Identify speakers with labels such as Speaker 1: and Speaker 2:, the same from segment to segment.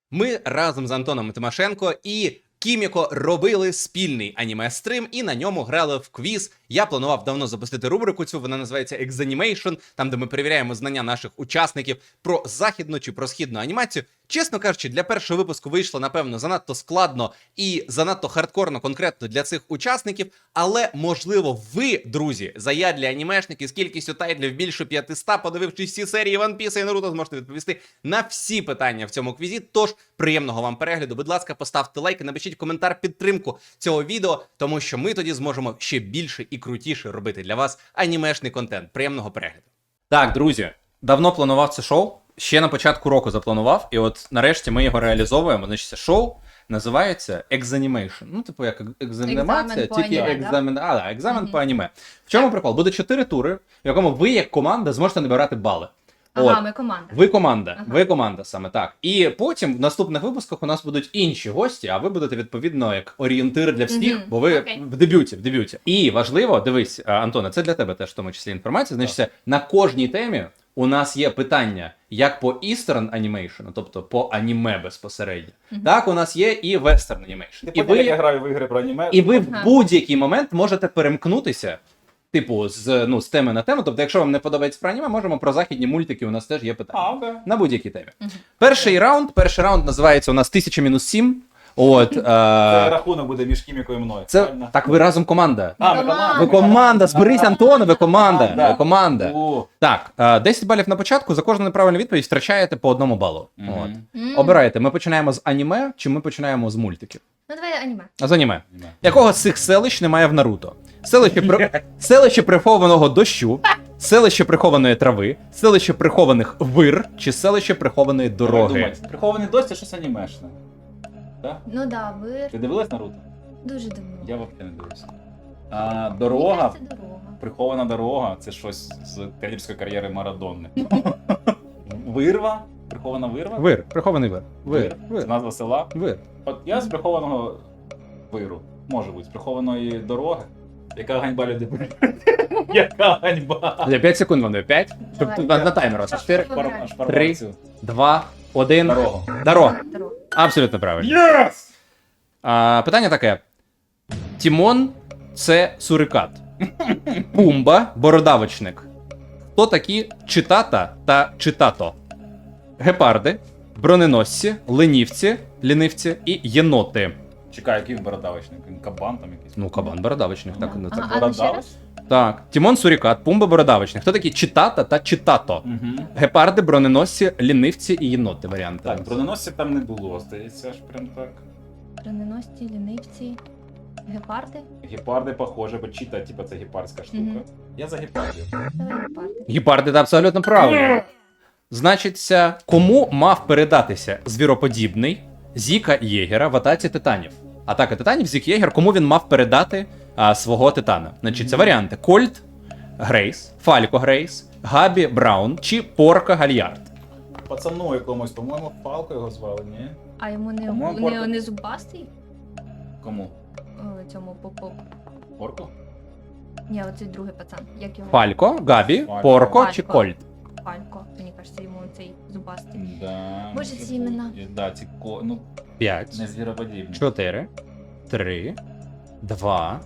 Speaker 1: Ми разом з Антоном Тимошенко і Кіміко робили спільний аніме-стрим і на ньому грали в квіз. Я планував давно запустити рубрику цю, вона називається Exanimation, там де ми перевіряємо знання наших учасників про західну чи про східну анімацію. Чесно кажучи, для першого випуску вийшло, напевно, занадто складно і занадто хардкорно конкретно для цих учасників, але, можливо, ви, друзі, заядлі анімешники з кількістю тайтлів більше 500, подивившись всі серії One Piece і Наруто, зможете відповісти на всі питання в цьому квізі. Тож, приємного вам перегляду. Будь ласка, поставте лайк і напишіть коментар підтримку цього відео, тому що ми тоді зможемо ще більше і крутіше робити для вас анімешний контент. Приємного перегляду. Так, друзі, давно планував це шоу. Ще на початку року запланував, і от нарешті ми його реалізовуємо. Значить, це шоу називається Exanimation. Ну, типу, як екзаменація, тільки екзамен по аніме. В чому прикол? Буде 4 тури, в якому ви, як команда, зможете набирати бали.
Speaker 2: Ага, ми команда.
Speaker 1: Ви команда,
Speaker 2: Ага.
Speaker 1: ви команда саме так. І потім в наступних випусках у нас будуть інші гості, а ви будете відповідно як орієнтир для всіх, бо ви
Speaker 2: Окей.
Speaker 1: в дебюті. І важливо, дивись, Антоне, це для тебе теж в тому числі інформація. Значить, на кожній темі у нас є питання як по Eastern Animation, тобто по аніме безпосередньо, так у нас є і Western Animation.
Speaker 3: І я граю в ігри про аніме.
Speaker 1: І ви в
Speaker 2: Ага.
Speaker 1: будь-який момент можете перемкнутися, типу, з теми на тему. Тобто, якщо вам не подобається про аніме, можемо про західні мультики, у нас теж є питання.
Speaker 3: Окей.
Speaker 1: На будь-якій темі. Перший раунд називається у нас 1000-7. От,
Speaker 3: Це рахунок буде між Кімікою і мною.
Speaker 1: це,
Speaker 3: правильно?
Speaker 1: так ви разом команда.
Speaker 3: А, ми
Speaker 2: Команда.
Speaker 3: команда.
Speaker 1: Ви команда, зберись, Антоне, ви команда.
Speaker 3: Да.
Speaker 1: Ви команда.
Speaker 3: О.
Speaker 1: Так, 10 балів на початку, за кожну неправильну відповідь втрачаєте по 1 балу.
Speaker 3: Мгм.
Speaker 1: От.
Speaker 2: М.
Speaker 1: Обирайте, ми починаємо з аніме, чи ми починаємо з мультиків?
Speaker 2: Ну давай аніме.
Speaker 1: А з аніме.
Speaker 3: Аніме.
Speaker 1: Якого з цих селищ немає в Наруто? Селище прихованого дощу, селище прихованої трави, селище прихованих вир чи селище прихованої
Speaker 3: Давай
Speaker 1: дороги.
Speaker 3: думати. Прихований дощ це щось анімешне. Так?
Speaker 2: Ну да, ви
Speaker 3: Ти дивилась Наруто?
Speaker 2: дуже давно.
Speaker 3: Я взагалі не дивився. А
Speaker 2: Мені
Speaker 3: дорога,
Speaker 2: кажеться, дорога.
Speaker 3: прихована дорога це щось з тренерської кар'єри Марадонни. Вирва? Прихована вирва?
Speaker 1: Вир, прихований вир. Вир,
Speaker 3: Це
Speaker 1: вир,
Speaker 3: назва села.
Speaker 1: вир.
Speaker 3: От я з прихованого виру. Може бути, з прихованої дороги. Яка ганьба люди. Яка ганьба.
Speaker 1: 5 секунд вам даю. 5. Щоб
Speaker 2: Давай.
Speaker 1: на таймер. 4,
Speaker 2: Вибирай.
Speaker 1: 3, 2, 1.
Speaker 3: Дорога.
Speaker 1: Дорога.
Speaker 2: Дорога.
Speaker 1: Абсолютно правильно.
Speaker 3: Єс!
Speaker 1: Питання таке. Тімон – це сурикат. Пумба – бородавочник. Хто такі читата та читато? Гепарди, броненосці, лінивці і єноти.
Speaker 3: Чекай, який він бородавочник? Він кабан там якийсь.
Speaker 1: Ну, кабан бородавочник, так. Ну, так.
Speaker 2: Ага. А ну ще раз?
Speaker 1: Так. Тімон сурикат, пумба бородавочник. Хто такі читата та читато?
Speaker 3: Угу.
Speaker 1: Гепарди, броненосці, лінивці і єноти варіанти.
Speaker 3: Так, броненосців там не було, здається, аж прям так.
Speaker 2: Броненосці, лінивці, гепарди.
Speaker 3: Гепарди похоже, бо чита, типа, це гепардська штука.
Speaker 2: Мгм.
Speaker 3: Я за гепардів.
Speaker 2: Давай гепарди.
Speaker 1: Гепарди, це абсолютно правильно. Значиться, кому мав передатися звіроподібний Зіка Єгера в атаці титанів? Атака титанів, Зік Єгер, кому він мав передати свого титана? Значить, це варіанти: Кольт Грейс, Фалько Грейс, Габі Браун чи Порка Гальярд.
Speaker 3: Пацану якомусь, по-моєму, Палко його звали, ні?
Speaker 2: А йому
Speaker 3: По-моєму,
Speaker 2: не зубастий?
Speaker 3: Кому?
Speaker 2: Цьому поп.
Speaker 3: Порку?
Speaker 2: Ні, оцей другий пацан. Як його?
Speaker 1: Фалько, Габі,
Speaker 3: Фалько.
Speaker 1: Порко чи
Speaker 2: Фалько.
Speaker 1: Кольт?
Speaker 2: Фалько. Мені кажеться, йому цей зубастий.
Speaker 3: Да.
Speaker 2: Боже, ці імена.
Speaker 3: Да, ці ну,
Speaker 1: 5,
Speaker 3: не звіроподібні.
Speaker 1: 4, 3, 2,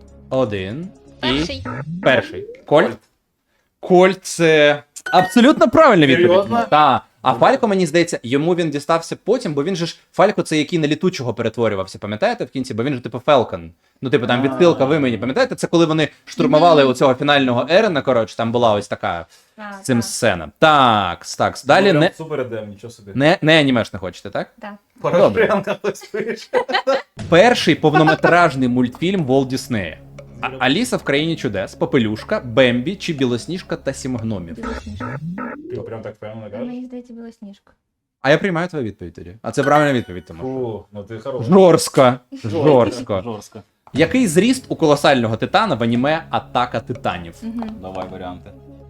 Speaker 1: 1 і
Speaker 2: Перший.
Speaker 1: перший. Кольт. Кольт це абсолютно правильна відповідь.
Speaker 3: Серйозно?
Speaker 1: Так. А Фалько, мені здається, йому він дістався потім, бо він же ж Фалько це який на літучого перетворювався, пам'ятаєте в кінці? Бо він же типу Фелкон. Ну, типу, там відсилка в імені, пам'ятаєте? Це коли вони штурмували у цього фінального Ерена, коротше, там була ось така
Speaker 2: Так,
Speaker 1: з цим
Speaker 2: так.
Speaker 1: сцена. Так, так. Далі
Speaker 3: Ну,
Speaker 1: не,
Speaker 3: прям Супер ідем, нічого собі.
Speaker 1: не анімеш не хочете, так?
Speaker 2: Так.
Speaker 3: Порошенка хтось пише.
Speaker 1: Перший повнометражний мультфільм Волт Діснея. Аліса в країні чудес, Попелюшка, Бембі чи Білосніжка та Сім гномів.
Speaker 2: Білосніжка.
Speaker 3: Ти прям так впевнено кажеш?
Speaker 2: Мені здається, білосніжка.
Speaker 1: А я приймаю твою відповідь тоді. А це правильна відповідь, тому.
Speaker 3: Фу, ну ти хороший.
Speaker 1: Жорстко. Жорстко.
Speaker 3: Жорстко.
Speaker 1: Який зріст у колосального титана в аніме Атака титанів?
Speaker 2: Угу.
Speaker 3: Давай варіанти.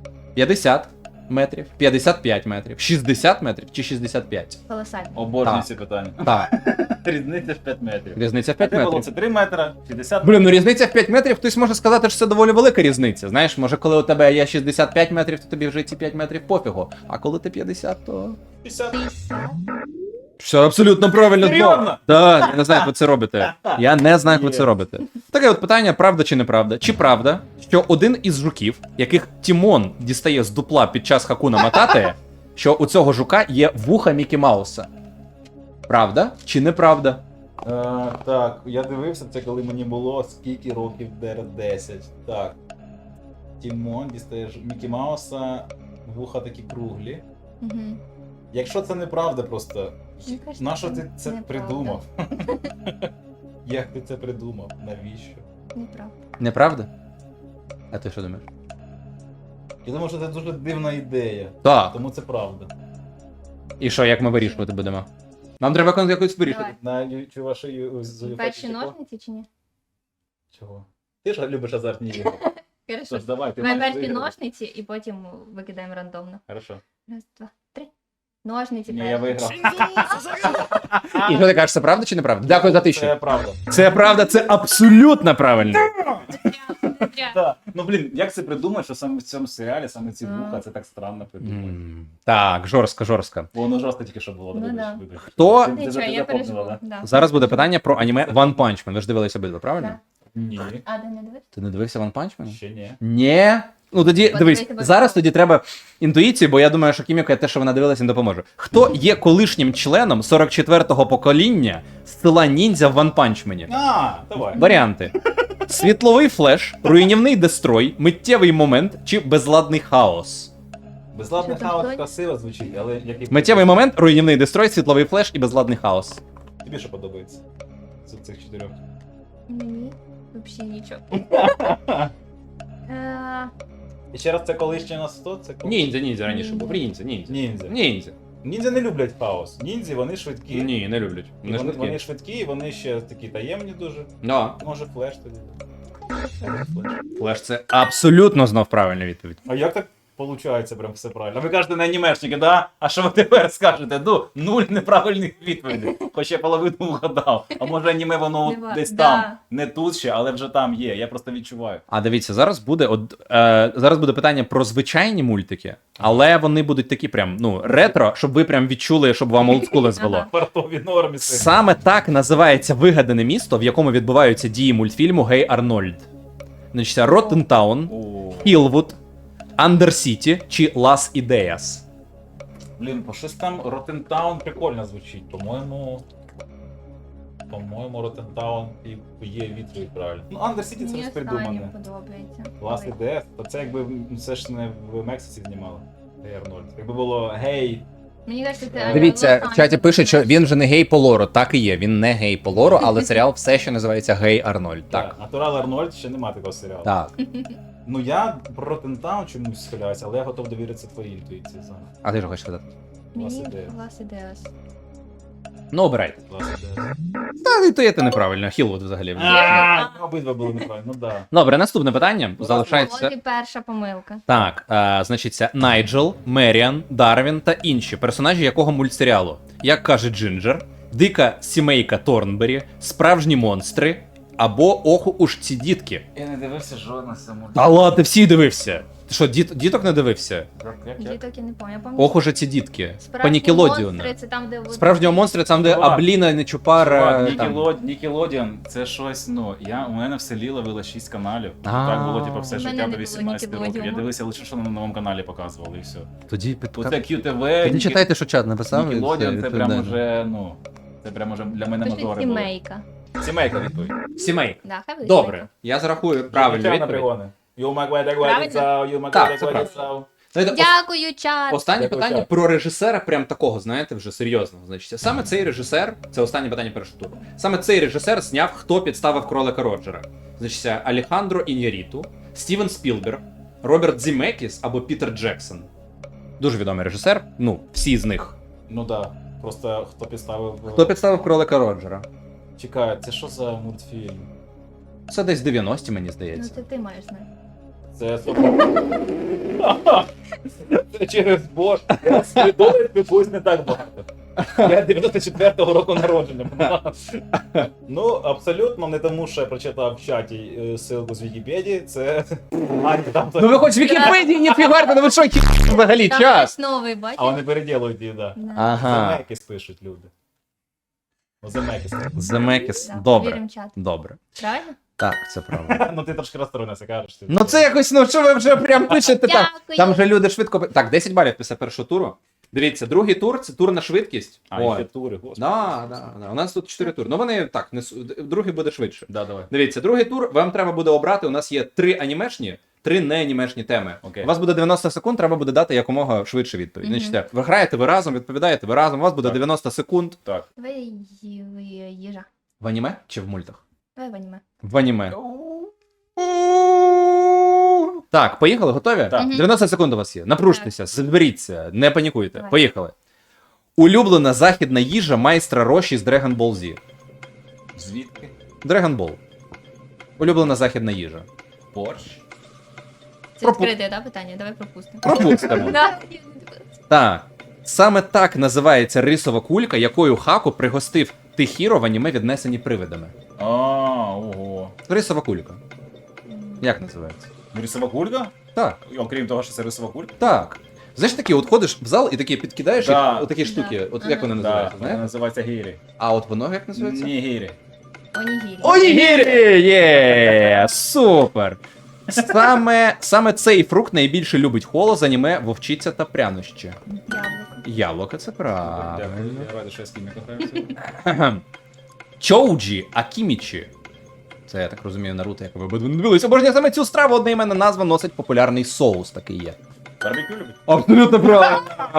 Speaker 1: 50 метрів, 55 метрів, 60 метрів чи 65?
Speaker 2: Колосально.
Speaker 3: Обожнюю
Speaker 1: Так.
Speaker 3: ці питання.
Speaker 1: Так,
Speaker 3: Різниця в 5 метрів.
Speaker 1: різниця в
Speaker 3: А
Speaker 1: 5
Speaker 3: ти було
Speaker 1: метрів.
Speaker 3: це 3 метри, 60
Speaker 1: Блін, ну різниця в 5 метрів, хтось може сказати, що це доволі велика різниця. Знаєш, може коли у тебе є 65 метрів, то тобі вже ці 5 метрів пофігу. А коли ти 50, то...
Speaker 3: 50.
Speaker 2: 50.
Speaker 1: Все абсолютно правильно.
Speaker 3: Серйозно?
Speaker 1: Так, я не знаю, як ви це робите. Я не знаю, як ви це робите. Таке от питання, правда чи неправда? Чи правда, що один із жуків, яких Тімон дістає з дупла під час Хакуна Матате, що у цього жука є вуха Мікі Мауса? Правда чи неправда?
Speaker 3: Так, я дивився це, коли мені було скільки років 10. Так. Тімон дістає Мікі Мауса, вуха такі круглі.
Speaker 2: Угу.
Speaker 3: Якщо це неправда просто,
Speaker 2: Мені кажеться,
Speaker 3: нащо ти це
Speaker 2: неправда.
Speaker 3: придумав? Як ти це придумав? Навіщо?
Speaker 2: Неправда.
Speaker 1: Неправда? А ти що думаєш?
Speaker 3: Я думаю, що це дуже дивна ідея,
Speaker 1: Так.
Speaker 3: тому це правда.
Speaker 1: І що, як ми вирішувати будемо? Нам треба якось вирішити.
Speaker 2: Давай.
Speaker 3: На ваші
Speaker 2: Перші ножниці чи ні?
Speaker 3: Чого? Ти ж любиш азартні ігри.
Speaker 2: Хорошо.
Speaker 3: Тож давай, ти
Speaker 2: Давай
Speaker 3: маєш
Speaker 2: перші
Speaker 3: виграти.
Speaker 2: ножниці і потім викидаємо рандомно.
Speaker 3: Хорошо.
Speaker 2: Раз, два, три. Ножниці
Speaker 3: Ні, я
Speaker 2: перші.
Speaker 3: виграв.
Speaker 1: І що ти кажеш, це правда чи неправда? Дякую за
Speaker 3: Це
Speaker 1: тисячу.
Speaker 3: правда.
Speaker 1: Це правда, це абсолютно правильно.
Speaker 3: Так. Ну блін, як це придумати, що саме в цьому серіалі, саме ці вуха, це так странно придумати.
Speaker 1: Так, жорстко.
Speaker 3: Бо воно жорстко тільки що було.
Speaker 2: Ну
Speaker 3: вибач,
Speaker 2: да.
Speaker 3: вибач.
Speaker 1: Хто?
Speaker 3: Ти
Speaker 2: Нічого,
Speaker 3: вже
Speaker 2: я
Speaker 3: запомнила,
Speaker 2: переживу.
Speaker 3: да?
Speaker 2: Да.
Speaker 1: Зараз буде питання про аніме One Punch Man. Ви ж дивилися обидва, правильно?
Speaker 2: Да.
Speaker 3: Ні,
Speaker 2: А, ти не дивишся?
Speaker 1: Ти не дивився One Punch Man?
Speaker 3: ще ні.
Speaker 1: Ні. Ну тоді
Speaker 2: От
Speaker 1: дивись,
Speaker 2: я тебе
Speaker 1: зараз
Speaker 2: питала.
Speaker 1: тоді треба інтуїції, бо я думаю, що Кіміко те, що вона дивилася, не допоможе. Хто є колишнім членом 44-го покоління з села ніндзя в One Punch Man?
Speaker 3: Давай.
Speaker 1: Варіанти: світловий флеш, руйнівний дестрой, миттєвий момент чи безладний хаос.
Speaker 3: Безладний
Speaker 2: Що там
Speaker 3: хаос
Speaker 2: хтось?
Speaker 3: красиво звучить, але який
Speaker 1: Миттєвий момент, руйнівний дестрой, світловий флеш і безладний хаос.
Speaker 3: тобі що подобається? З цих 4.
Speaker 2: Мені взагалі нічого.
Speaker 3: І ще раз це колишнє на 100, це колишнє.
Speaker 1: Ніндзя
Speaker 2: раніше був.
Speaker 1: Ніндзя.
Speaker 3: Ніндзя. Ніндзя не люблять хаос. Ніндзі, вони швидкі.
Speaker 1: Ні, не люблять.
Speaker 3: І вони швидкі, і вони ще такі таємні дуже.
Speaker 1: Да.
Speaker 3: Може флеш тоді. Флеш.
Speaker 1: Флеш це абсолютно знов правильна відповідь.
Speaker 3: А як так виходить прям все правильно? А ви кажете на анімешники, да? А що ви тепер скажете? Ну, 0 неправильних відповідей. Хоч я половину вгадав. А може аніме воно от
Speaker 2: Нема.
Speaker 3: десь
Speaker 2: Да.
Speaker 3: там. Не тут ще, але вже там є. Я просто відчуваю.
Speaker 1: А дивіться, зараз буде зараз буде питання про звичайні мультики, але вони будуть такі прям ретро, щоб ви прям відчули, щоб вам олдскули звело.
Speaker 2: Ага.
Speaker 3: Фартові нормі.
Speaker 1: Саме так називається вигадане місто, в якому відбуваються дії мультфільму Гей Арнольд. Значить, Роттентаун, Хілвуд, Андерсіті чи Лас Ідеяс.
Speaker 3: Блін, по щось там Роттентаун прикольно звучить. По-моєму, Роттентаун і є відповідь правильно. Ну, Андерсіті це
Speaker 2: Мені
Speaker 3: щось
Speaker 2: останнє
Speaker 3: придумане.
Speaker 2: подобається.
Speaker 3: Клас
Speaker 2: Ой.
Speaker 3: ідея. То це якби це ж не в Мексиці знімали. Гей Арнольд. Якби було гей.
Speaker 2: Мені кажеться, це
Speaker 1: Дивіться, в чаті
Speaker 2: Лос-Анджелес.
Speaker 1: пишуть, що він вже не гей по лору. Так і є, він не гей по лору, але серіал все ще називається Гей Арнольд. Так.
Speaker 3: Натурал Арнольд ще нема такого серіалу.
Speaker 1: Так.
Speaker 3: Ну я про Роттентаун чомусь схиляюся, але я готов довіритися твоїй інтуїції саме.
Speaker 1: А ти що хочеш сказати?
Speaker 2: Мені
Speaker 3: Лас Ідеас.
Speaker 2: Лас Ідеас.
Speaker 1: Ну, обирайте.
Speaker 3: Клас ідея.
Speaker 1: Та і то є те неправильно. Хілвуд взагалі.
Speaker 3: Обидва були неправильно, ну да.
Speaker 1: Добре, наступне питання. Залишається.
Speaker 2: От і перша помилка.
Speaker 1: Так, значить, це Найджел, Меріан, Дарвін та інші персонажі якого мультсеріалу? Як каже Джинджер, дика сімейка Торнбері, справжні монстри або оху уж ці дітки.
Speaker 3: Я не дивився жодного самого.
Speaker 1: Та ладно, ти всі дивився. Ти що, діток не дивився?
Speaker 2: Діток я не пам'ятаю.
Speaker 1: Ох уже ці дітки. По
Speaker 2: Справжні
Speaker 1: Нікелодіону.
Speaker 2: монстри, це там, де от-
Speaker 1: Справжнього монстра, там, де
Speaker 3: Чувак.
Speaker 1: Абліна, Нечупара. там.
Speaker 3: Нікелодіон, це щось, ну, у мене в селі ловило 6 каналів.
Speaker 1: А.
Speaker 3: Так було, типу, все
Speaker 2: У мене
Speaker 3: життя
Speaker 2: не
Speaker 3: до
Speaker 2: було
Speaker 3: 18 років. Я
Speaker 2: Нікелодіону.
Speaker 3: дивився лише, що на новому каналі показували, і все.
Speaker 1: Тоді
Speaker 3: Оце QTV,
Speaker 1: Тоді читайте, що чат написав. і
Speaker 3: Нікелодіон,
Speaker 1: все,
Speaker 3: це прям
Speaker 1: відповідайте.
Speaker 3: уже, ну, це прям уже для мене
Speaker 2: Пишуть
Speaker 3: мажори були.
Speaker 2: сімейка.
Speaker 3: Сімейка відповідь.
Speaker 1: Сімей.
Speaker 2: Да, хай буде
Speaker 1: Добре,
Speaker 2: сімейка.
Speaker 1: я зарахую правильну відповідь.
Speaker 2: Правильно?
Speaker 1: Так, це правда. Знаєте,
Speaker 2: Дякую, чат.
Speaker 1: Останнє
Speaker 3: Дякую,
Speaker 1: питання
Speaker 3: чат.
Speaker 1: про режисера, прям такого, знаєте, вже серйозного. Значить, саме цей режисер, це останнє питання першого туру. Саме цей режисер зняв, хто підставив кролика Роджера. Значить, Алехандро Іньяріту, Стівен Спілберг, Роберт Зімекіс або Пітер Джексон. Дуже відомий режисер. Ну, всі з них.
Speaker 3: Ну да, просто хто підставив...
Speaker 1: Хто підставив кролика Роджера?
Speaker 3: Чекай, це що за мультфільм?
Speaker 1: Це десь 90-ті, мені
Speaker 2: Ну
Speaker 1: здається.
Speaker 2: це ти маєш знати.
Speaker 3: Це Це через Бож. Я з придумаю спілкуюсь не так багато. Я 94-го року народження. Ну, абсолютно не тому, що я прочитав в чаті ссылку з Вікіпедії, це... там...
Speaker 1: Ну ви хоч в Вікіпедії не фігарте, ну ви що, взагалі
Speaker 2: Там
Speaker 1: час?
Speaker 2: хтось новий,
Speaker 3: А
Speaker 2: бачиш?
Speaker 3: вони переділують її, да.
Speaker 2: Да.
Speaker 1: Ага.
Speaker 3: Замекіс пишуть люди. Земекіс.
Speaker 1: Земекіс.
Speaker 2: Да,
Speaker 1: Добре.
Speaker 2: Вірим чат.
Speaker 1: Добре.
Speaker 2: Правильно?
Speaker 1: Так, це правда.
Speaker 3: Ну ти трошки розстроївся, кажеш. Ти.
Speaker 1: Ну це якось, ну що ви вже прям пишете там.
Speaker 2: Дякую.
Speaker 1: Там же люди швидко. Так, 10 балів після першого туру. Дивіться, другий тур це тур на швидкість.
Speaker 3: А, і
Speaker 1: Ой.
Speaker 3: ще тури, господи.
Speaker 1: Да. У нас тут 4 тури. Ну вони так, другий буде швидше.
Speaker 3: Да, давай.
Speaker 1: Дивіться, другий тур вам треба буде обрати. У нас є 3 анімешні, 3 не анімешні теми.
Speaker 3: Окей.
Speaker 1: У вас буде 90 секунд, треба буде дати якомога швидше відповідь.
Speaker 2: Мгм.
Speaker 1: Значить, ви граєте, ви разом, відповідаєте, ви разом, у вас буде
Speaker 3: Так.
Speaker 1: 90 секунд.
Speaker 3: Так.
Speaker 2: Давай їжа.
Speaker 1: В аніме чи в мультах?
Speaker 2: Давай в аніме.
Speaker 1: В аніме. Так, поїхали, готові?
Speaker 3: Так.
Speaker 2: Мгм.
Speaker 1: 90 секунд у вас є. Напружтеся, зберіться, не панікуйте.
Speaker 2: Давай.
Speaker 1: Поїхали. Улюблена західна їжа майстра Роші з Dragon Ball Z.
Speaker 3: Звідки?
Speaker 1: Dragon Ball. Улюблена західна їжа.
Speaker 3: Борщ.
Speaker 2: Це відкрите, да, питання? Давай пропустимо.
Speaker 1: Пропустимо.
Speaker 2: Да.
Speaker 1: Так. Саме так називається рисова кулька, якою Хаку пригостив Тихіро в аніме віднесені привидами.
Speaker 3: А, ого.
Speaker 1: Рисова кулька. Як називається?
Speaker 3: Рисова кулька?
Speaker 1: Так.
Speaker 3: Окрім того, що це рисова кулька?
Speaker 1: Так. Знаєш, такі, от ходиш в зал і такі підкидаєш
Speaker 3: Да.
Speaker 1: їх, отакі штуки.
Speaker 2: Да.
Speaker 1: От як вони
Speaker 3: Так,
Speaker 1: називаються,
Speaker 3: вона
Speaker 1: знаєш?
Speaker 3: називається гірі.
Speaker 1: А от воно як називається?
Speaker 3: Ні, гірі.
Speaker 2: Онігірі.
Speaker 1: Онігірі! Є! Супер! Саме цей фрукт найбільше любить Холо з аніме Вовчиця та прянощі.
Speaker 2: Яблуко.
Speaker 1: Яблуко, це правильно.
Speaker 3: Дякую. Я радий, що я з ким сьогодні.
Speaker 1: Кхе-кхем. Чоуджі Акімічі. Це, я так розумію, Наруто, як ви обидва не дивилися. Обожнює саме цю страву, одноіменна назва носить популярний соус, такий є.
Speaker 3: Барбекю любить?
Speaker 1: Абсолютно правильно.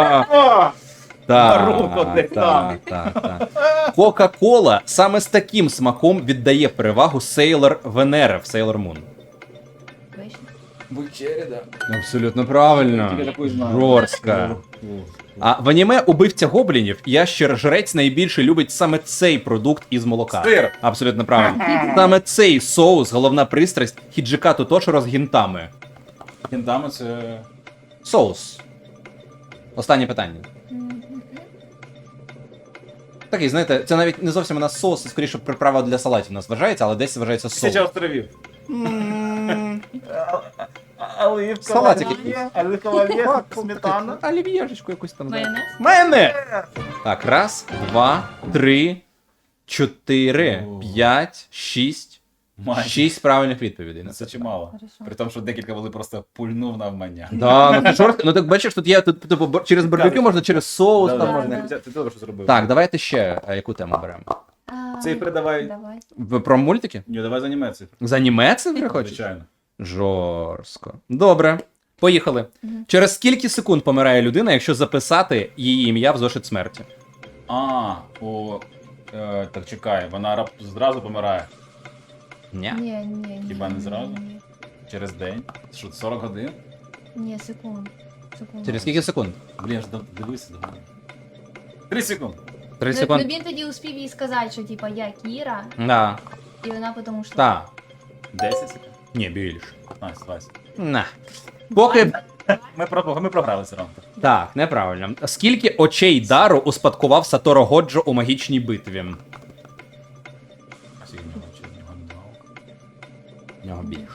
Speaker 3: Наруто десь там.
Speaker 1: Так. Кока-кола саме з таким смаком віддає перевагу Сейлор Венера в Sailor Moon.
Speaker 2: Вишня.
Speaker 3: Бучері, да.
Speaker 1: Абсолютно правильно.
Speaker 3: Тільки таку знаю.
Speaker 1: Жорстка. А в аніме убивця гоблінів ящер-жрець найбільше любить саме цей продукт із молока.
Speaker 3: Сир.
Speaker 1: Абсолютно правильно. Саме цей соус, головна пристрасть Хіджика Тотоширо з гінтами.
Speaker 3: Кентами це...
Speaker 1: Соус. Останнє питання.
Speaker 2: Мгм.
Speaker 1: Такий, знаєте, це навіть не зовсім у нас соус, це скоріше приправа для салатів у нас вважається, але десь вважається соус.
Speaker 3: Тисяча островів. Оливкова
Speaker 1: Салатик
Speaker 3: олія,
Speaker 1: якийсь.
Speaker 3: оливкова олія, сметана.
Speaker 1: Олів'єшечку якусь там. да.
Speaker 2: Майонез.
Speaker 1: Майонез! Так, раз, два, три, 4,
Speaker 3: О.
Speaker 1: 5, 6.
Speaker 3: Майже.
Speaker 1: 6 правильних відповідей. на
Speaker 3: Це
Speaker 1: це.
Speaker 3: чимало.
Speaker 2: Хорошо.
Speaker 3: При тому, що декілька були просто пульнув навмання.
Speaker 1: Да, ну ти шорстко. Ну так бачиш, тут є тут, типу, через барбекю можна, через соус
Speaker 3: Да,
Speaker 1: там
Speaker 3: да,
Speaker 1: можна.
Speaker 3: Ти добре, що зробив.
Speaker 1: Так, давайте ще яку тему беремо.
Speaker 2: А,
Speaker 3: Цифри давай.
Speaker 2: Давай.
Speaker 1: Про мультики?
Speaker 3: Ні, давай за німецькою.
Speaker 1: З аніме це вже хочеш?
Speaker 3: Звичайно.
Speaker 1: Жорстко. Добре. Поїхали.
Speaker 2: Мгм.
Speaker 1: Через скільки секунд помирає людина, якщо записати її ім'я в зошит смерті?
Speaker 3: Так чекай, вона зразу помирає.
Speaker 1: Ні.
Speaker 2: Ні.
Speaker 3: Хіба не зразу?
Speaker 2: Ні.
Speaker 3: Через день. Що, 40 годин?
Speaker 2: Ні, секунд.
Speaker 1: Через скільки секунд?
Speaker 3: Блін, ж дивися, давай. 3 секунди.
Speaker 1: 3
Speaker 2: Ну,
Speaker 1: секунди.
Speaker 2: він тоді успів їй сказати, що типа я Кіра,
Speaker 1: Да.
Speaker 2: і вона потім ушла.
Speaker 1: Так.
Speaker 3: 10 секунд?
Speaker 1: Ні, більше.
Speaker 3: 20.
Speaker 1: На. Поки.
Speaker 3: Ми програли все одно.
Speaker 1: Так, неправильно. Скільки очей дару успадкував Саторо Годжо у магічній битві?
Speaker 3: Всі в нього чи в нього нема ока?
Speaker 1: В нього більше.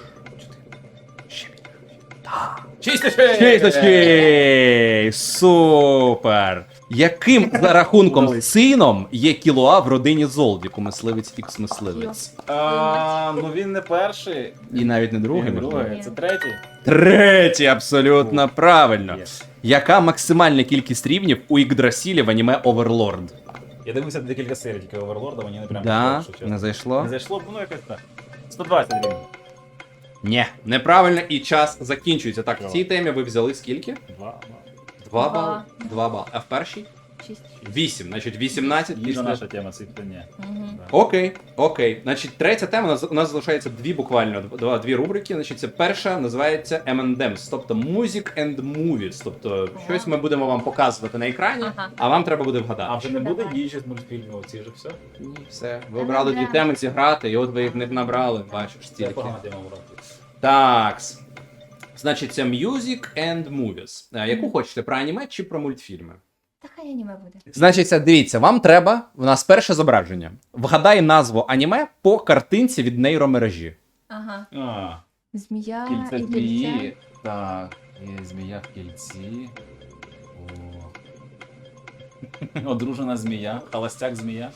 Speaker 3: 6
Speaker 1: 6 очей! Супер! Яким за рахунком
Speaker 3: Удались.
Speaker 1: сином є Кілоа в родині Золдіку, мисливець ікс мисливець?
Speaker 3: Ну він не перший.
Speaker 1: І навіть не другий,
Speaker 3: Він
Speaker 1: можливо.
Speaker 3: другий. Це третій.
Speaker 1: Третій, абсолютно правильно.
Speaker 3: Є.
Speaker 1: Яка максимальна кількість рівнів у Ігдрасілі в аніме Оверлорд?
Speaker 3: Я дивився декілька серій тільки Оверлорда, мені не прям
Speaker 1: Да,
Speaker 3: якщо чесно.
Speaker 1: не зайшло?
Speaker 3: Не зайшло, ну якось так. 120 гривень.
Speaker 1: Ні, неправильно, і час закінчується. Так, в
Speaker 3: Давай.
Speaker 1: цій темі ви взяли скільки?
Speaker 3: 2.
Speaker 1: 2
Speaker 2: Два.
Speaker 1: бали. 2 бали. А в першій?
Speaker 2: 6.
Speaker 1: 8. Значить, 18
Speaker 3: Їжа
Speaker 1: після.
Speaker 3: наша тема, цифри ні.
Speaker 2: Угу.
Speaker 1: Окей. Значить, третя тема, у нас залишається буквально дві рубрики. Значить, це перша називається M&M's, тобто Music and Movies. Тобто, щось ми будемо вам показувати на екрані,
Speaker 2: Ага.
Speaker 1: а вам треба буде вгадати.
Speaker 3: А вже не буде
Speaker 2: Давай.
Speaker 3: їжі з мультфільмів, оці ж все?
Speaker 1: Ні, все. Ви обрали дві
Speaker 2: M&M's.
Speaker 1: теми зіграти, і от ви їх не набрали, бачиш,
Speaker 3: Це
Speaker 1: стільки.
Speaker 3: погана тема вроді.
Speaker 1: Так. Значить, це Music and Movies. Яку хочете, про аніме чи про мультфільми?
Speaker 2: Та хай аніме буде.
Speaker 1: Значить, дивіться, вам треба, у нас перше зображення. Вгадай назву аніме по картинці від нейромережі.
Speaker 2: Ага.
Speaker 3: А,
Speaker 2: Змія
Speaker 3: кільце
Speaker 2: і
Speaker 3: змії.
Speaker 2: кільце.
Speaker 3: Так, є змія в кільці. О. Одружена змія, холостяк змія.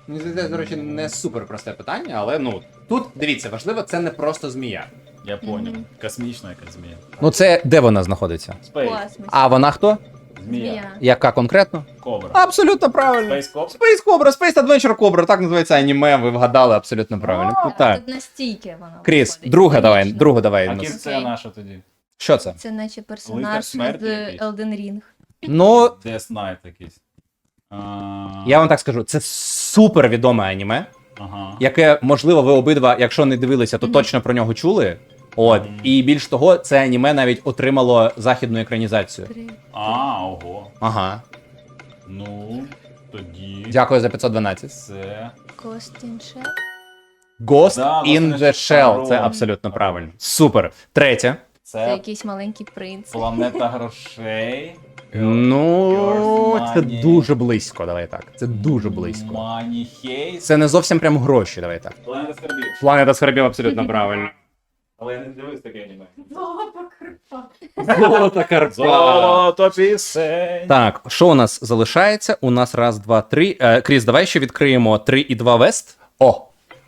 Speaker 1: Мені здається, до речі, не супер просте питання, але ну тут дивіться, важливо, це не просто змія.
Speaker 3: Я понял.
Speaker 2: Мгм.
Speaker 3: Космічна якась змія.
Speaker 1: Ну це де вона знаходиться?
Speaker 3: Спейс.
Speaker 2: Космос.
Speaker 1: А вона хто?
Speaker 3: Змія.
Speaker 1: Яка конкретно?
Speaker 3: Кобра.
Speaker 1: Абсолютно правильно.
Speaker 3: Спейс Кобра.
Speaker 1: Space Cobra, Space Adventure Cobra, так називається аніме, ви вгадали абсолютно правильно. Ну, так.
Speaker 2: Тут настільки вона.
Speaker 1: Кріс,
Speaker 2: виходить.
Speaker 1: другу давай.
Speaker 3: А
Speaker 1: у нас.
Speaker 3: кільце наша тоді.
Speaker 1: Що це?
Speaker 2: Це наче
Speaker 3: Лицар
Speaker 2: персонаж
Speaker 3: смерті
Speaker 2: з
Speaker 3: якийсь.
Speaker 2: Elden Ring.
Speaker 1: Ну,
Speaker 3: Death Knight якийсь.
Speaker 1: я вам так скажу, це супер відоме аніме,
Speaker 3: Ага.
Speaker 1: яке, можливо, ви обидва, якщо не дивилися, то
Speaker 2: Мгм.
Speaker 1: точно про нього чули. От,
Speaker 3: Мгм.
Speaker 1: і більш того, це аніме навіть отримало західну екранізацію.
Speaker 3: Ого.
Speaker 1: Ага.
Speaker 3: Ну, тоді
Speaker 1: Дякую за 512.
Speaker 3: це...
Speaker 2: Ghost in Shell.
Speaker 1: Ghost
Speaker 3: Да,
Speaker 1: in
Speaker 3: Ghost in
Speaker 1: the
Speaker 3: Shell.
Speaker 1: Shell. Це абсолютно правильно. Супер. Третє.
Speaker 2: Це
Speaker 3: Це
Speaker 2: якийсь маленький принц.
Speaker 3: планета грошей.
Speaker 1: Ну,
Speaker 3: Girls
Speaker 1: це
Speaker 3: Money.
Speaker 1: дуже близько, давай так. Це дуже близько.
Speaker 3: Маніхейс.
Speaker 1: Це не зовсім прям гроші, давай так.
Speaker 3: Планета скарбів.
Speaker 1: Планета скарбів абсолютно правильно.
Speaker 3: Але я не дивився таке аніме.
Speaker 1: Золота карпа.
Speaker 3: Золото пісень.
Speaker 1: Так, що у нас залишається? У нас раз, два, три. Кріс, давай ще відкриємо 3 і 2 Вест. О!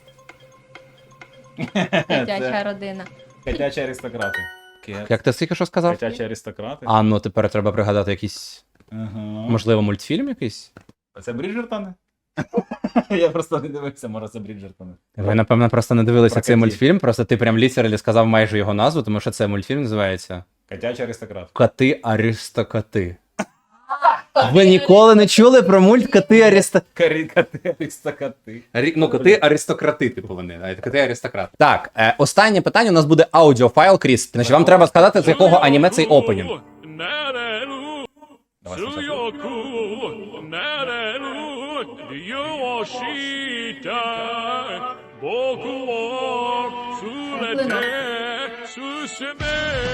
Speaker 2: Дитяча родина.
Speaker 3: Котячі аристократи.
Speaker 1: Як ти тільки що сказав?
Speaker 3: Котячі аристократи.
Speaker 1: А, ну тепер треба пригадати якийсь,
Speaker 3: Ага.
Speaker 1: можливо, мультфільм якийсь?
Speaker 3: Це Бріджертони? Я просто не дивився, може це Бріджертони.
Speaker 1: Ви, напевно, просто не дивилися
Speaker 3: Про
Speaker 1: цей
Speaker 3: котів.
Speaker 1: мультфільм, просто ти прям літералі сказав майже його назву, тому що це мультфільм називається
Speaker 3: Котячі аристократи.
Speaker 1: Коти Аристокоти. Ви ніколи не чули про мульт Коти Аристократи?
Speaker 3: Коти аристократи.
Speaker 1: Ну, коти аристократи, типу вони, навіть коти аристократи. Так, останнє питання у нас буде аудіофайл, Кріс. Значить, вам треба сказати, з якого аніме цей опенінг.
Speaker 3: Давай спочатку.
Speaker 4: 強くなれる理由を知りたい僕を連れて進め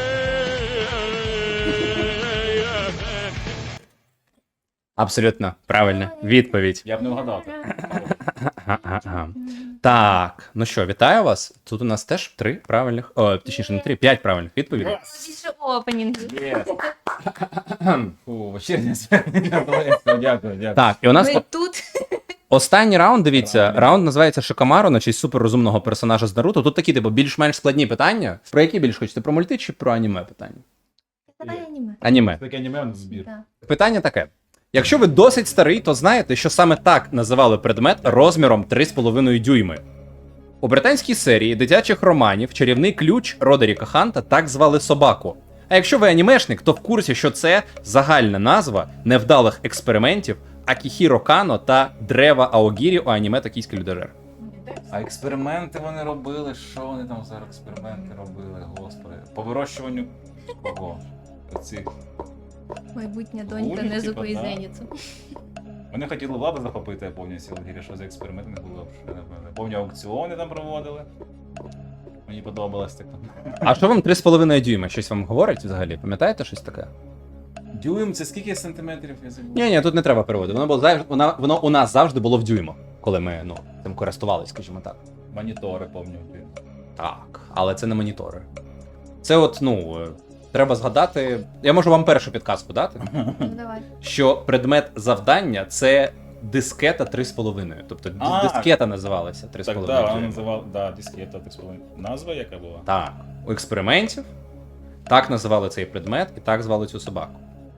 Speaker 1: Абсолютно правильна відповідь.
Speaker 3: Я б не вгадав.
Speaker 1: Ага. Так, ну що, вітаю вас. Тут у нас теж 3 правильних, точніше не 3, 5 правильних відповідей.
Speaker 2: Більше опенінг.
Speaker 3: Є. Фу, вечірнє звернення. Дякую.
Speaker 1: Так, і у нас
Speaker 2: Ми тут.
Speaker 1: останній раунд, дивіться,
Speaker 3: Правильно.
Speaker 1: раунд називається Шикамаро на честь суперрозумного персонажа з Наруто. Тут такі, типу, більш-менш складні питання. Про які більш хочете? Про мульти чи про аніме питання?
Speaker 2: Давай аніме.
Speaker 1: Аніме.
Speaker 3: Таке аніме в збір.
Speaker 2: Да.
Speaker 1: Питання таке. Якщо ви досить старий, то знаєте, що саме так називали предмет розміром 3,5 дюйми. У британській серії дитячих романів чарівний ключ Родеріка Ханта так звали собаку. А якщо ви анімешник, то в курсі, що це загальна назва невдалих експериментів Акіхіро Кано та Древа Аогірі у аніме «Токійський людожер».
Speaker 3: А експерименти вони робили? Що вони там за експерименти робили, господи? По вирощуванню кого? Оцих.
Speaker 2: Майбутня
Speaker 3: Гулі,
Speaker 2: донька Незуко і
Speaker 3: типа, да.
Speaker 2: Зеніцу.
Speaker 3: Вони хотіли владу захопити, я пам'ятаю, Сілгірі, що за експерименти не було. Пам'ятаю, аукціони там проводили. Мені подобалось так.
Speaker 1: А що вам 3,5 дюйма? Щось вам говорить взагалі? Пам'ятаєте щось таке?
Speaker 3: Дюйм, це скільки сантиметрів, я забув?
Speaker 1: Ні, тут не треба переводу. Воно у нас завжди було в дюймах, коли ми цим користувалися, скажімо так.
Speaker 3: Монітори, пам'ятаю.
Speaker 1: Так, але це не монітори. Це треба згадати. Я можу вам першу підказку дати,
Speaker 2: Ну давай.
Speaker 1: що предмет завдання це дискета 3,5. Тобто
Speaker 3: А,
Speaker 1: дискета називалася 3,5.
Speaker 3: Так, так, вона
Speaker 1: дюйма.
Speaker 3: називала, дискета, так сказати. Назва яка була?
Speaker 1: Так, у експериментів так називали цей предмет і так звали цю собаку.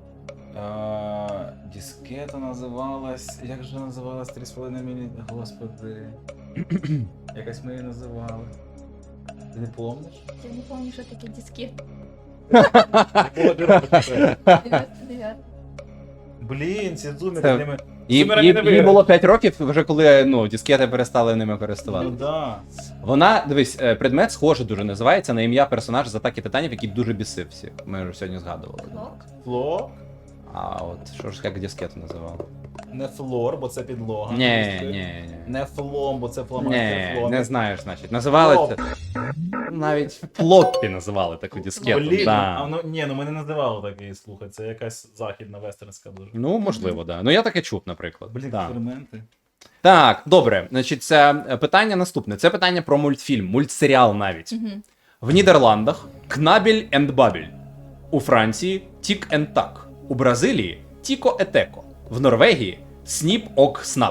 Speaker 3: Дискета називалась. Як же називалась 3,5 мм? Господи. Якось ми її називали. Ти не помниш?
Speaker 2: Я не пам'ятаю, що таке дискет.
Speaker 3: 99.
Speaker 2: 99.
Speaker 3: Блін, ці зуми
Speaker 1: Це-
Speaker 3: з ними.
Speaker 1: Їй
Speaker 3: Сумера не виграє.
Speaker 1: було 5 років, вже коли дискети перестали ними
Speaker 3: Ну
Speaker 1: користуватися.
Speaker 3: да.
Speaker 1: Вона, дивись, предмет схоже дуже називається на ім'я персонажа з атаки титанів, який дуже бісив всіх. Ми вже сьогодні згадували.
Speaker 2: Лок.
Speaker 3: Фло.
Speaker 1: А от що ж як дискету називали?
Speaker 3: Не флор, бо це підлога.
Speaker 1: Ні.
Speaker 3: Не флом, бо це фломастер
Speaker 1: Ні,
Speaker 3: флом.
Speaker 1: не знаєш, значить. Називали це. Навіть флоппі називали таку дискету.
Speaker 3: Блін,
Speaker 1: Да.
Speaker 3: ну ми не називали такий, слухай, це якась західна вестернська дуже.
Speaker 1: Ну, можливо, да. Ну я таке чув, наприклад.
Speaker 3: Блін,
Speaker 1: Да.
Speaker 3: експерименти.
Speaker 1: Так, добре. Значить, це питання наступне. Це питання про мультфільм, мультсеріал навіть.
Speaker 2: Мгм.
Speaker 1: В Нідерландах Кнабель енд Бабель. У Франції Тік енд Так. У Бразилії Тіко Етеко. В Норвегії Сніп Ок Снап.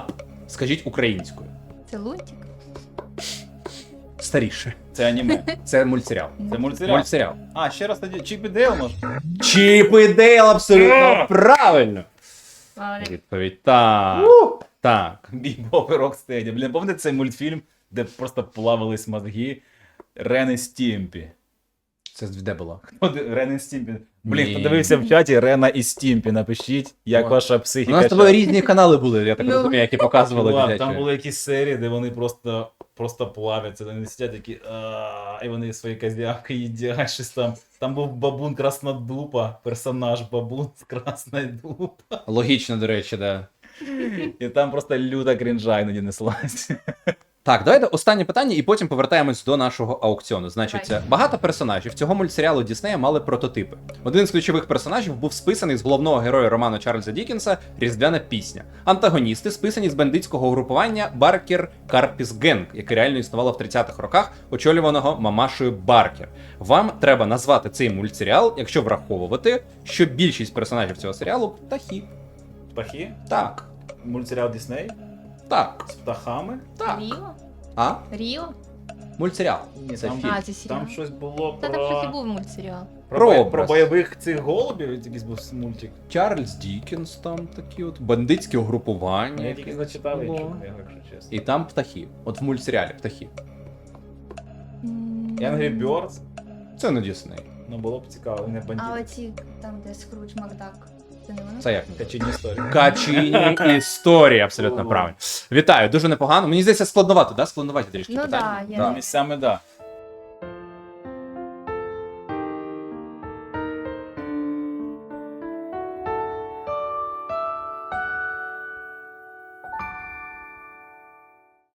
Speaker 1: Скажіть українською.
Speaker 2: Це лунтик?
Speaker 1: Старіше.
Speaker 3: Це аніме.
Speaker 1: Це мультсеріал.
Speaker 3: Це мультсеріал.
Speaker 1: Мультсеріал.
Speaker 3: А, ще раз тоді Чіп і Дейл, може?
Speaker 1: Чіп і Дейл, абсолютно правильно.
Speaker 2: Молодець.
Speaker 1: Відповідь так. Так.
Speaker 3: Бібоп і Рокстеді. Блін, пам'ятаєте цей мультфільм, де просто плавались мозги Рен і Стімпі?
Speaker 1: Це де було?
Speaker 3: Рен і Стімпі. Блін,
Speaker 1: Ні.
Speaker 3: хто дивився в чаті Рена і Стімпі, напишіть, як
Speaker 1: О.
Speaker 3: ваша
Speaker 1: У
Speaker 3: психіка.
Speaker 1: нас з тобою
Speaker 3: щас.
Speaker 1: різні канали були, я так
Speaker 2: Ну.
Speaker 1: розумію, які показували
Speaker 3: Чувак,
Speaker 1: дитячі.
Speaker 3: там були якісь серії, де вони просто плавляться, вони сидять такі, і вони свої козявки їдять, щось там. Там був бабун Краснодупа, персонаж бабун з Краснодупа.
Speaker 1: Логічно, до речі, да.
Speaker 3: І там просто люта крінжа іноді неслась.
Speaker 1: Так, давайте останнє питання, і потім повертаємось до нашого аукціону. Значить,
Speaker 2: Давай.
Speaker 1: багато персонажів цього мультсеріалу Діснея мали прототипи. Один з ключових персонажів був списаний з головного героя роману Чарльза Дікінса «Різдвяна пісня». Антагоністи списані з бандитського угрупування Баркер Карпіс Генг, яке реально існувало в 30-х роках, очолюваного мамашею Баркер. Вам треба назвати цей мультсеріал, якщо враховувати, що більшість персонажів цього серіалу птахи.
Speaker 3: Птахи?
Speaker 1: Так,
Speaker 3: Мультсеріал Дісней?
Speaker 1: так,
Speaker 3: З птахами?
Speaker 1: так.
Speaker 2: Ріо?
Speaker 1: А?
Speaker 2: Ріо?
Speaker 1: Мультсеріал.
Speaker 3: Ні,
Speaker 1: Це
Speaker 3: там,
Speaker 1: фільм.
Speaker 2: А, це серіал.
Speaker 3: там щось було
Speaker 2: Та там щось і
Speaker 3: про...
Speaker 2: був мультсеріал.
Speaker 1: Про
Speaker 3: Про
Speaker 1: образ.
Speaker 3: бойових цих голубів, якийсь був мультик.
Speaker 1: Чарльз Дікінс там такі от, бандитське угрупування.
Speaker 3: Я тільки зачитав
Speaker 1: було.
Speaker 3: іншого, якщо чесно.
Speaker 1: І там птахи. От в мультсеріалі птахи.
Speaker 3: Angry Birds,
Speaker 1: Це не Дісней.
Speaker 3: ну було б цікаво, не
Speaker 2: А
Speaker 3: бандит.
Speaker 2: оці, там, де Скрудж Макдак. Це не воно?
Speaker 1: Це як?
Speaker 3: Качині історії.
Speaker 1: Качині історії, абсолютно
Speaker 3: Ого.
Speaker 1: правильно. Вітаю, дуже непогано. Мені здається, складновато, да? Складноваті трішки
Speaker 2: Ну
Speaker 1: питання.
Speaker 2: да, я
Speaker 3: Місцями, да.